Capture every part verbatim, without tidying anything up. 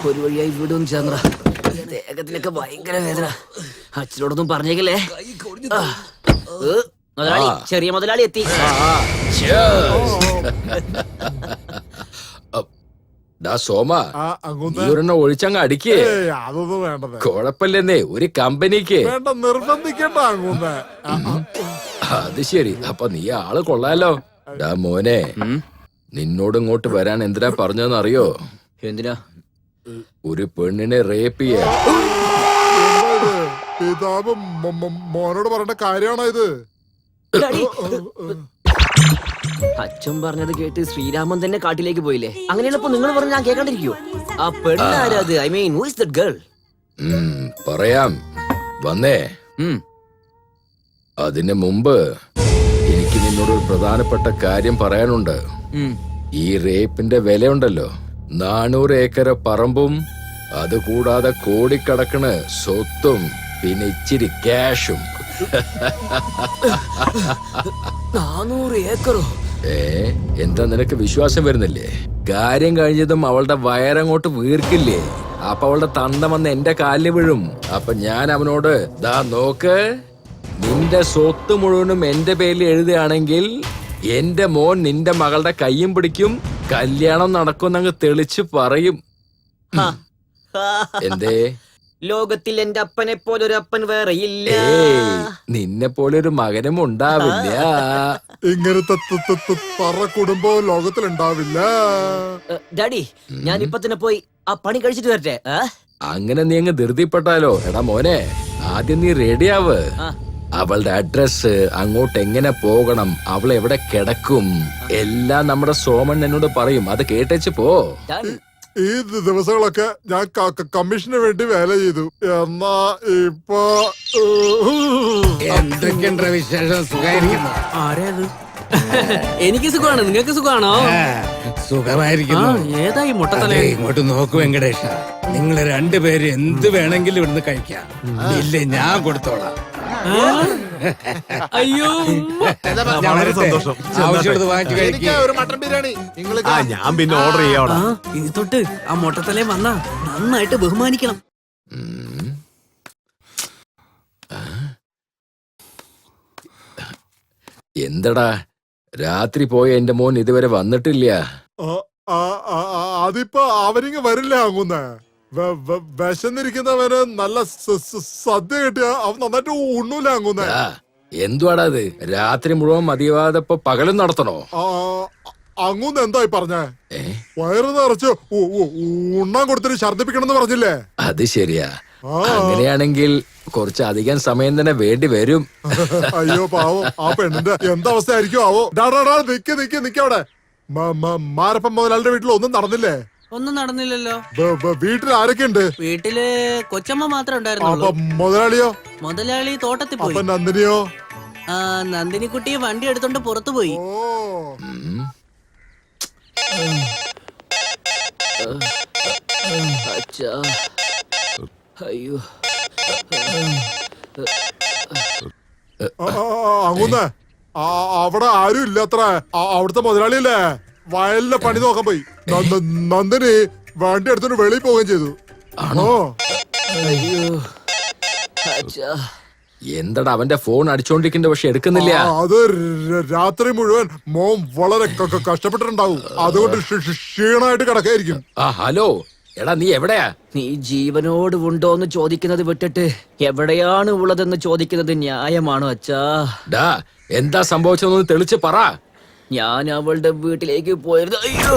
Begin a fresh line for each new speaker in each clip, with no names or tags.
ഒരു വഴിയായി വീടും ചന്ദ്ര ദേഹത്തിലൊക്കെ ഭയങ്കര വേദന. അച്ഛനോടൊന്നും പറഞ്ഞേക്കല്ലേ. മുതലാളി, ചെറിയ മുതലാളി എത്തി.
സോമ, ഒരെണ്ണം ഒഴിച്ചങ്ങ് അടിക്കേ.
അതൊന്നും വേണ്ടത്.
കുഴപ്പമില്ലെന്നേ, ഒരു കമ്പനിക്ക്.
നിർബന്ധിക്കണ്ട.
അത് ശരി. അപ്പൊ നീ ആള് കൊള്ളാലോ. ഡാ മോനെ, നിന്നോട് ഇങ്ങോട്ട് വരാൻ എന്തിനാ പറഞ്ഞതെന്ന് അറിയോ?
എന്തിനാ?
ഒരു പെണ്ണിനെ റേപ്പ് ചെയ്യാൻ.
പിതാവ് മോനോട് പറയേണ്ട കാര്യമാണോ ഇത്?
അച്ഛൻ പറഞ്ഞത് കേട്ട് ശ്രീരാമൻ തന്നെ കാട്ടിലേക്ക് പോയില്ലേ? അങ്ങനെയുള്ളപ്പോ നിങ്ങൾ പറഞ്ഞ ഞാൻ കേൾക്കാണ്ടിരിക്കോ? ആ പെണ്ണാരത്? I mean who is that girl?
പറയാം, വന്നേ. അതിന് മുമ്പ് എനിക്ക് നിന്നോട് ഒരു പ്രധാനപ്പെട്ട കാര്യം പറയാനുണ്ട്. ഈ റേപ്പിന്റെ വിലയുണ്ടല്ലോ, നാനൂറ് ഏക്കർ പറമ്പും അതുകൂടാതെ കോടിക്കണക്കിന് സ്വത്തും പിന്നെ ഇച്ചിരി ക്യാഷും.
നാനൂറ് ഏക്കറോ?
ഏ എന്താ നിനക്ക് വിശ്വാസം വരുന്നില്ലേ? കാര്യം കഴിഞ്ഞതും അവളുടെ വയറങ്ങോട്ട് വീർക്കില്ലേ, അപ്പൊ അവളുടെ തന്ത വന്ന് എന്റെ കാലിൽ വീഴും. അപ്പൊ ഞാൻ അവനോട്, ദാ നോക്ക്, നിന്റെ സ്വത്ത് മുഴുവനും എന്റെ പേരിൽ എഴുതുകയാണെങ്കിൽ എന്റെ മോൻ നിന്റെ മകളുടെ കയ്യും പിടിക്കും, കല്യാണം നടക്കുമെന്നങ്ങ് തെളിച്ച് പറയും. എന്തേ?
ലോകത്തിൽ എന്റെ അപ്പനെ പോലെ ഒരു അപ്പൻ വേറെ ഇല്ല.
നിന്നെ പോലെ ഒരു മകനും ഉണ്ടാവില്ല.
ഇങ്ങനത്തെ കുടുംബം ലോകത്തിൽ ഉണ്ടാവില്ല.
ഡാഡി, ഞാൻ ഇപ്പൊ തന്നെ പോയി ആ പണി കഴിച്ചിട്ട് വരട്ടെ.
അങ്ങനെ നീ അങ്ങ് ധൃതിപ്പെട്ടാലോ? എടാ മോനെ, ആദ്യം നീ റെഡിയാവ്. അവളുടെ അഡ്രസ്, അങ്ങോട്ട് എങ്ങനെ പോകണം, അവൾ എവിടെ കിടക്കും, എല്ലാം നമ്മുടെ സോമൻ എന്നോട് പറയും. അത് കേട്ടേച്ച് പോ.
ഈ ദിവസങ്ങളൊക്കെ ഞാൻ കമ്മീഷന് വേണ്ടി വേല ചെയ്തു. എന്നാ ഇപ്പൊ
എന്തൊക്കെയുണ്ട് വിശേഷം? സുഖമായിരിക്കുന്നു.
ആരേത്? എനിക്ക് സുഖമാണ്. നിങ്ങൾക്ക് സുഖമാണോ?
സുഖമായിരിക്കുന്നു.
ഏതായി മുട്ടത്തല?
ഇങ്ങോട്ട് നോക്കൂ വെങ്കടേഷ, നിങ്ങൾ രണ്ടുപേരും എന്ത് വേണമെങ്കിലും ഇവിടുന്ന് കഴിക്കാം. ഇല്ലേ ഞാൻ കൊടുത്തോളാം.
അയ്യോ,
സന്തോഷം. ആവശ്യമുള്ളത് വാങ്ങിച്ചു കഴിക്കാം.
ഒരു മട്ടൻ ബിരിയാണി.
ഞാൻ പിന്നെ ഓർഡർ ചെയ്യാം.
ഇനി തൊട്ട് ആ മുട്ടത്തലേ വന്നാ നന്നായിട്ട് ബഹുമാനിക്കണം.
എന്തടാ രാത്രി പോയ എന്റെ മോൻ ഇതുവരെ വന്നിട്ടില്ല?
അതിപ്പോ അവരിങ്ങ് വരില്ല. അങ്ങുന്ന വിശന്നിരിക്കുന്നവന് നല്ല സദ്യ കിട്ടിയ അവൻ നന്നായിട്ട് ഉണ്ണൂല. അങ്ങുന്ന
എന്തുവാടാ അത്? രാത്രി മുഴുവൻ മതിയാവാതെ പകലും നടത്തണോ?
അങ്ങൂന്ന് എന്തായി പറഞ്ഞേ? വയറ് നിറച്ച് ഉണ്ണാൻ കൊടുത്തിട്ട് ഛർദിപ്പിക്കണം പറഞ്ഞില്ലേ?
അത് ശരിയാ. അങ്ങനെയാണെങ്കിൽ കുറച്ച് അധികം സമയം തന്നെ വേണ്ടി വരും.
അയ്യോ പാവം, ആ പെണ്ണിന്റെ എന്താവസ്ഥ ആയിരിക്കും ആവോ. നിക്ക് നിക്ക് നിക്കവിടെ. മാരപ്പൻ മുതലാളിയുടെ വീട്ടിൽ ഒന്നും നടന്നില്ലേ?
ഒന്നും നടന്നില്ലല്ലോ.
വീട്ടിൽ ആരൊക്കെ ഉണ്ട്?
വീട്ടില് കൊച്ചമ്മ മാത്രമേ ഉണ്ടായിരുന്നുള്ളൂ.
മുതലാളിയോ?
മുതലാളി തോട്ടത്തിൽ പോയി.
നന്ദിനിയോ?
ആ, നന്ദിനിക്കുട്ടി വണ്ടി എടുത്തോണ്ട് പുറത്തു പോയി.
അയ്യോ,
അങ്ങുന്നേ അവിടെ ആരും ഇല്ലത്ര. അവിടുത്തെ മുതലാളിയല്ലേ വയലിലെ പണി നോക്കാൻ പോയി. നന്ദിനി വണ്ടി എടുത്തോണ്ട് വെളിയിൽ പോവുകയും ചെയ്തു.
ആണോ? എന്തടാ അവന്റെ ഫോൺ അടിച്ചോണ്ടിരിക്കണ്ട, പക്ഷെ എടുക്കുന്നില്ല.
അത് രാത്രി മുഴുവൻ മോൻ വളരെ കഷ്ടപ്പെട്ടിട്ടുണ്ടാവും. അതുകൊണ്ട് ക്ഷീണമായിട്ട് കിടക്കായിരിക്കും.
ആ ഹലോ, എടാ നീ എവിടെയാ?
നീ ജീവനോട് ഉണ്ടോന്ന് ചോദിക്കുന്നത് വിട്ടിട്ട് എവിടെയാണ് ഉള്ളതെന്ന് ചോദിക്കുന്നത് ന്യായമാണോ അച്ഛാ?
ഡാ എന്താ സംഭവിച്ചതെന്ന് തെളിച്ച് പറ.
ഞാൻ അവളുടെ വീട്ടിലേക്ക് പോയത്. അയ്യോ,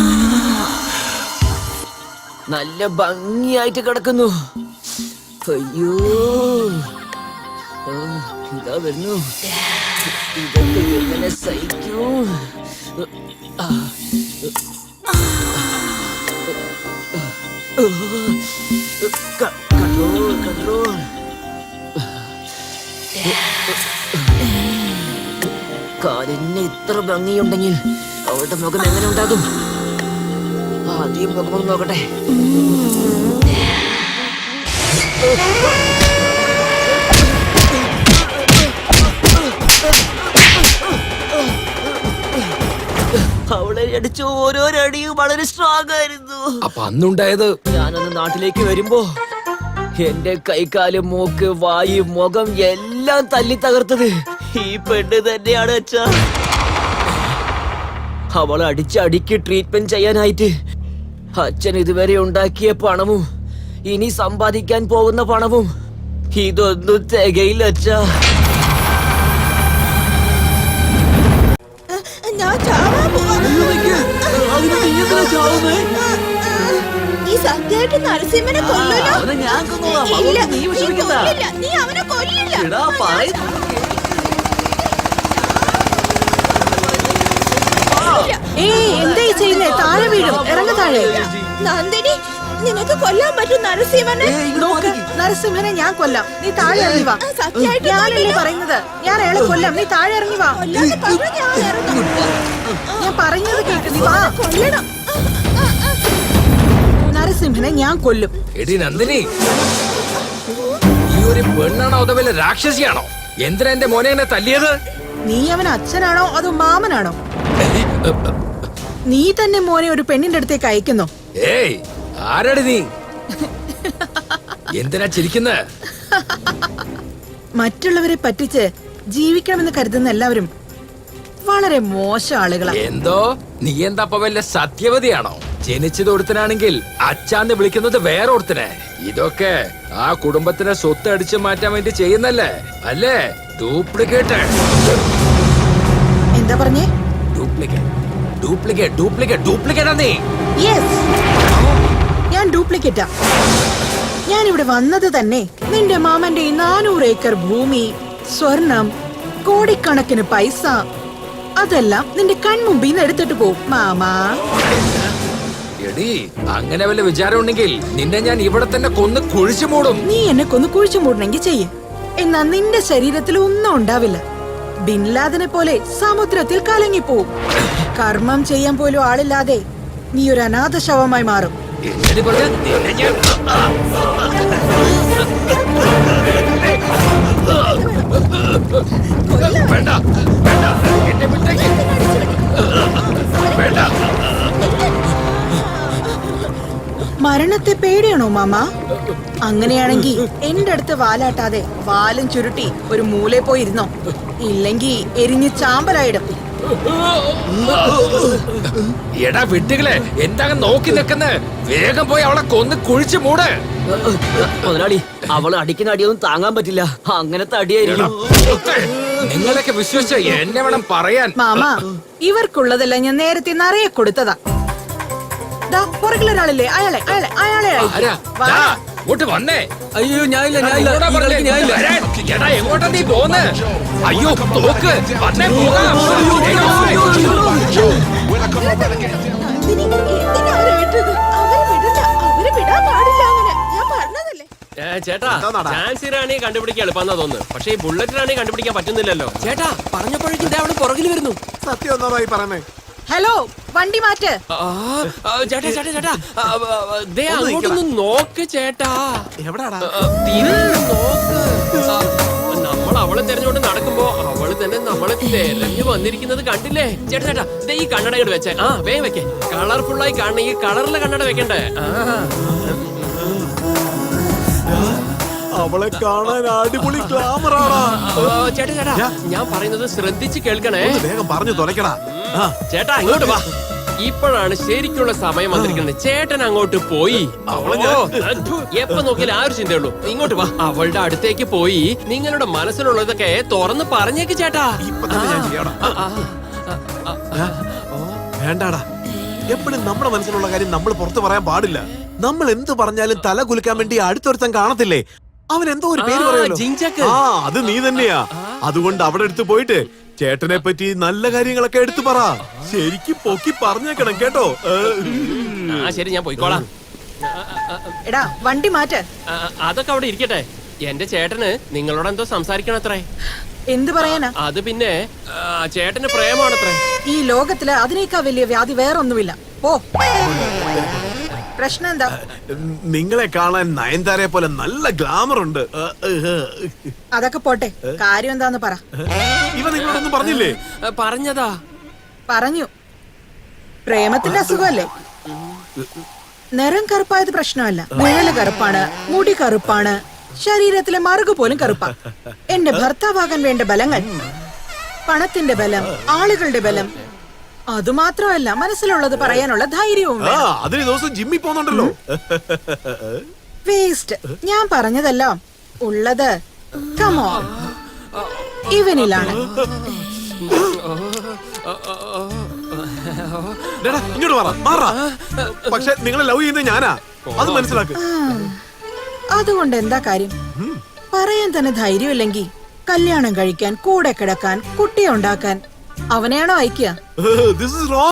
നല്ല ഭംഗിയായിട്ട് കിടക്കുന്നു. അയ്യോ, ഇതാ വരുന്നു. ഇതൊക്കെ എങ്ങനെ സഹിക്കൂ? Control control. കാലിന് ഇത്ര ഭംഗിയുണ്ടെങ്കിൽ അവളുടെ മുഖം എങ്ങനെ ഉണ്ടാകും? ആദ്യം മുഖം നോക്കട്ടെ. അവളെ അടിച്ച ഓരോരടിയും വളരെ സ്ട്രോങ് ആയിരുന്നു.
അപ്പൊ അന്നുണ്ടായത്
ഞാനന്ന് നാട്ടിലേക്ക് വരുമ്പോ എന്റെ കൈകാല് മൂക്ക് വായു മുഖം എല്ലാം തല്ലി തകർത്തത് ഈ പെണ്ണ് തന്നെയാണ് അച്ഛാ. അവൾ അടിച്ചടിക്ക് ട്രീറ്റ്മെന്റ് ചെയ്യാനായിട്ട് അച്ഛൻ ഇതുവരെ ഉണ്ടാക്കിയ പണവും ഇനി സമ്പാദിക്കാൻ പോകുന്ന പണവും ഇതൊന്നും തികയില്ല അച്ഛാ.
ഞാൻ ചാവാൻ പോവാ. നീ സത്യമായിട്ട് നരസിംഹനെ കൊല്ലൂലോ?
ഞാൻ കൊന്നോളാം.
ഇല്ല,
നീ
നീ
വിഷമിക്കണ്ട.
കൊല്ലില്ല. നീ അവനെ കൊല്ലില്ല.
എടാ, പറയുന്നു.
ഏയ്, എന്താ ഈ ചെയ്യുന്നേ? താഴെ വീഴും. ഇറങ്ങ താഴെ. നന്ദിനി, നിനക്ക് കൊല്ലാൻ പറ്റും നരസിംഹനെ?
നോക്ക്, നരസിംഹനെ ഞാൻ കൊല്ലാം, നീ താഴെ ഇറങ്ങി വാ.
സത്യമായിട്ട്
ഞാനല്ലേ പറയുന്നത്, ഞാൻ അയാളെ കൊല്ലാം, നീ താഴെ ഇറങ്ങി വാ.
കൊല്ലാന്ന് പറഞ്ഞാ ഞാൻ ഇറങ്ങും.
ഞാൻ പറയുന്നത് കേക്ക്, നീ വാ.
കൊല്ലണം.
നരസിംഹനെ ഞാൻ കൊല്ലും.
എടി നന്ദിനി, ഈ ഒരു പെണ്ണാണോ അതോ വല്ല രാക്ഷസിയാണോ? എന്തിനാ എന്റെ മോനെ എന്നെ തല്ലിയത്?
നീ അവൻ അച്ഛനാണോ അതോ മാമനാണോ? നീ തന്നെ മോനെ ഒരു പെണ്ണിന്റെ അടുത്തേക്ക് അയക്കുന്നോ?
ഏയ്, ആരാടി നീ? എന്തിനാ ചിരിക്കുന്ന?
മറ്റുള്ളവരെ പറ്റിച്ച് ജീവിക്കണമെന്ന് കരുതുന്ന എല്ലാവരും വളരെ മോശം ആളുകളാണ്.
എന്തോ നീ എന്താ അപ്പൊ വല്ല സത്യവതിയാണോ? ജനിച്ചത് ഒരുത്തനാണെങ്കിൽ അച്ഛാന്ന് വിളിക്കുന്നത് വേറെ ഒരുത്തനെ. ഇതൊക്കെ ആ കുടുംബത്തിനെ സ്വത്ത് അടിച്ചു മാറ്റാൻ വേണ്ടി ചെയ്യുന്നല്ലേ അല്ലേ? ഡ്യൂപ്ലിക്കേറ്റ്.
എന്താ പറഞ്ഞേ?
ഡ്യൂപ്ലിക്കേറ്റ് ഡ്യൂപ്ലിക്കേറ്റ് ഡ്യൂപ്ലിക്കേറ്റ് ഡ്യൂപ്ലിക്കേറ്റ് നീ.
യെസ്, ഞാൻ ഡ്യൂപ്ലിക്കേറ്റാ. ഞാൻ ഇവിടെ വന്നത് തന്നെ നിന്റെ മാമന്റെ ഈ നാനൂറ് ഏക്കർ ഭൂമി, സ്വർണം, കോടിക്കണക്കിന് പൈസ അതെല്ലാം നിന്റെ കൺമുമ്പിൽ നിന്ന് എടുത്തിട്ട് പോവും മാമാ.
എടി, അങ്ങനെ വല്ല വിചാരം ഉണ്ടെങ്കിൽ നിന്നെ ഞാൻ ഇവിടെ തന്നെ കൊന്ന് കുഴിച്ചു മൂടും.
നീ എന്നെ കൊന്ന് കുഴിച്ചു മൂടണമെങ്കിൽ ചെയ്യേ, എന്നാ നിന്റെ ശരീരത്തിൽ ഒന്നും ഉണ്ടാവില്ല. ബിൻലാദനെ പോലെ സമുദ്രത്തിൽ കലങ്ങിപ്പോവും. കർമ്മം ചെയ്യാൻ പോലും ആളില്ലാതെ നീ ഒരു അനാഥ ശവമായി മാറും.
എന്നടി പറഞ്ഞ നിന്നെ ഞാൻ വേണ്ട വേണ്ട എന്നെ വിട്ടേക്ക്. വേണ്ട.
മരണത്തെ പേടിയാണോ മാമ? അങ്ങനെയാണെങ്കി എന്റെ അടുത്ത് വാലാട്ടാതെ വാലും ചുരുട്ടി ഒരു മൂലെ പോയിരുന്നോ, ഇല്ലെങ്കി എരിഞ്ഞ് ചാമ്പലായിടും.
എടാ വിട്ടുകളെ, എന്താ നോക്കി നിൽക്കുന്ന? വേഗം പോയി അവളെ കൊന്ന് കുഴിച്ചു മൂട്.
മുതലാളി, അവള് അടിക്കുന്ന അടിയൊന്നും താങ്ങാൻ പറ്റില്ല. അങ്ങനത്തെ അടിയായിരിക്കും.
നിങ്ങളൊക്കെ വിശ്വസിച്ച എന്നെ വേണം പറയാൻ.
മാമ, ഇവർക്കുള്ളതെല്ലാം ഞാൻ നേരത്തെ നിറയെ കൊടുത്തതാ. ദാ പുറകിലൊരാളില്ലേ, അയാളെ അയാളെ അയാളെ
ആരാ?
അയക്ക്. വാ.
ദാ, ഇങ്ങോട്ട് വന്നേ.
അയ്യോ ഞാനില്ല ഞാനില്ല
എങ്ങോട്ടാ
ഈ
പറഞ്ഞേ?
കളിക്ക് ഞാനില്ല.
വരാൻ. എടാ, എങ്ങോട്ടാ നീ പോന്ന്? അയ്യോ തോക്ക് വന്നേ, പോകാം.
നന്ദിനി, എന്തിനാ അവരെ വിട്ടത്? അവരെ വിടില്ല. അവരെ വിടാൻ പാടില്ല അങ്ങനെ. ഞാൻ പറഞ്ഞതല്ലേ.
ചേട്ടാ, ചാൻസി റാണി കണ്ടുപിടിക്കാൻ എളുപ്പമെന്നാ തോന്നുന്നു. പക്ഷേ ഈ ബുള്ളറ്റ് റാണി കണ്ടുപിടിക്കാൻ പറ്റുന്നില്ലല്ലോ.
ചേട്ടാ പറഞ്ഞപ്പോഴേക്കും ദേ അവള് പുറകിൽ വരുന്നു.
സത്യം ഒന്നായി പറഞ്ഞേ.
ഹലോ, വണ്ടി മാറ്റ്.
ആ, ആ, ചേട്ടാ ചേട്ടാ ചേട്ടാ ആ, ആ, ആ, ദേ അങ്ങോട്ടൊന്ന് നോക്ക് ചേട്ടാ.
എവിടാടാ?
ആ, തിരിഞ്ഞ് നോക്ക്. ആ, നമ്മൾ അവളെ തെരഞ്ഞുകൊണ്ട് നടക്കുമ്പോ അവള് തന്നെ നമ്മളെ തെരഞ്ഞു വന്നിരിക്കുന്നത് കണ്ടില്ലേ? ചേട്ടാ ചേട്ടാ, ദേ ഈ കണ്ണട ഇങ്ങോട്ട് വെച്ചേ. ആ വേഗം വെക്കേ. കളർഫുൾ ആയി കാണണ ഈ കളറിലെ കണ്ണട വെക്കണ്ടേ? ആ
അവളെ കാണാൻ അടിപൊളി ഗ്ലാമറാടാ.
ആ, ചേട്ടാ ചേട്ടാ, ഞാൻ പറയുന്നത് ശ്രദ്ധിച്ച് കേൾക്കണേ.
ഒന്ന് വേഗം പറഞ്ഞു തുലക്കടാ. ആ,
ചേട്ടാ ഇങ്ങോട്ട് വാ. ഇപ്പോഴാണ് ശരിക്കുള്ള സമയം വന്നിരിക്കുന്നത്. ചേട്ടൻ അങ്ങോട്ട് പോയി.
അവളെ
ഓ, അദ്ഭു. എപ്പോ നോക്കിയാലും ആ ഒരു ചിന്തയുള്ളൂ. ഇങ്ങോട്ട് വാ. അവളുടെ അടുത്തേക്ക് പോയി നിങ്ങളുടെ മനസ്സിലുള്ളതൊക്കെ തുറന്ന് പറഞ്ഞേക്ക് ചേട്ടാ.
ഇപ്പൊ തന്നെ ഞാൻ ചെയ്യാടാ.
ആ, ആ, ആ, ആ.
വേണ്ടാടാ, എപ്പോഴും നമ്മുടെ മനസ്സിലുള്ള കാര്യം നമ്മൾ പുറത്തു പറയാൻ പാടില്ല. നമ്മൾ എന്ത് പറഞ്ഞാലും തല കുലുക്കാൻ വേണ്ടി അടുത്തൊരുത്തൻ കാണത്തില്ലേ? അവൻ എന്തോ ഒരു പേര്
ആ,
പറയുമല്ലോ.
ജിഞ്ചക്ക്.
ആ, അത് നീ തന്നെയാ. അതുകൊണ്ട് അവിടെ എടുത്ത് പോയിട്ട് ചേട്ടനെ പറ്റി നല്ല കാര്യങ്ങളൊക്കെ എടുത്തു പറ. ശരിക്കും പൊക്കി പറഞ്ഞേക്കണം കേട്ടോ. ഏ,
ആ ശരി, ഞാൻ പോയിക്കോളാം.
എടാ വണ്ടി മാറ്റ്.
ആ, അതൊക്കെ അവിടെ ഇരിക്കട്ടെ. എന്റെ ചേട്ടന് നിങ്ങളോട് എന്തോ സംസാരിക്കണത്രേ.
എന്ത് പറയാനാ?
അത് പിന്നെ ആ, ചേട്ടന് പ്രേമാണത്രേ.
ഈ ലോകത്തില് അതിനേക്കാൾ വലിയ വ്യാധി വേറൊന്നുമില്ല. പോ. പ്രശ്നം എന്താ?
നിങ്ങളെ കാണാൻ നയൻതാരയെ പോലെ നല്ല ഗ്ലാമർ ഉണ്ട്. ഏ, ഏ, ഏ.
അതൊക്കെ പോട്ടെ, കാര്യം എന്താന്ന് പറ.
ഇവ നിങ്ങളോടൊന്നും പറഞ്ഞില്ലേ?
ആ, പറഞ്ഞതാ.
പറഞ്ഞു. പ്രേമത്തിന്റെ അസുഖമല്ലേ? നിറം കറുപ്പായത് പ്രശ്നമല്ല. നിഴല് കറുപ്പാണ്, മുടി കറുപ്പാണ്, ശരീരത്തിലെ മറുകു പോലും കറുപ്പാ. എന്റെ ഭർത്താവാകാൻ വേണ്ട ബലങ്ങൾ, പണത്തിന്റെ ബലം, ആളുകളുടെ ബലം, അതുമാത്രമല്ല മനസ്സിലുള്ളത് പറയാനുള്ള ധൈര്യവും
ആ അതിന് ദിവസം ജിമ്മിൽ പോകുന്നുണ്ടല്ലോ.
വേസ്റ്റ്. ഞാൻ പറഞ്ഞതെല്ലാം ഉള്ളത് കമോൺ ഇവനിലാണ്.
ഡേടാ, ഇങ്ങോട്ട് മാറാ മാറാ. പക്ഷെ നിങ്ങളെ ലവ് ചെയ്യുന്നത് ഞാനാ, അത് മനസ്സിലാക്ക്.
അതുകൊണ്ട് എന്താ കാര്യം? പറയാൻ തന്നെ ധൈര്യമില്ലെങ്കിൽ കല്യാണം കഴിക്കാൻ, കൂടെ കിടക്കാൻ, കുട്ടിയെ ഉണ്ടാക്കാൻ അവനെയാണോ അയക്കുക?
This is wrong.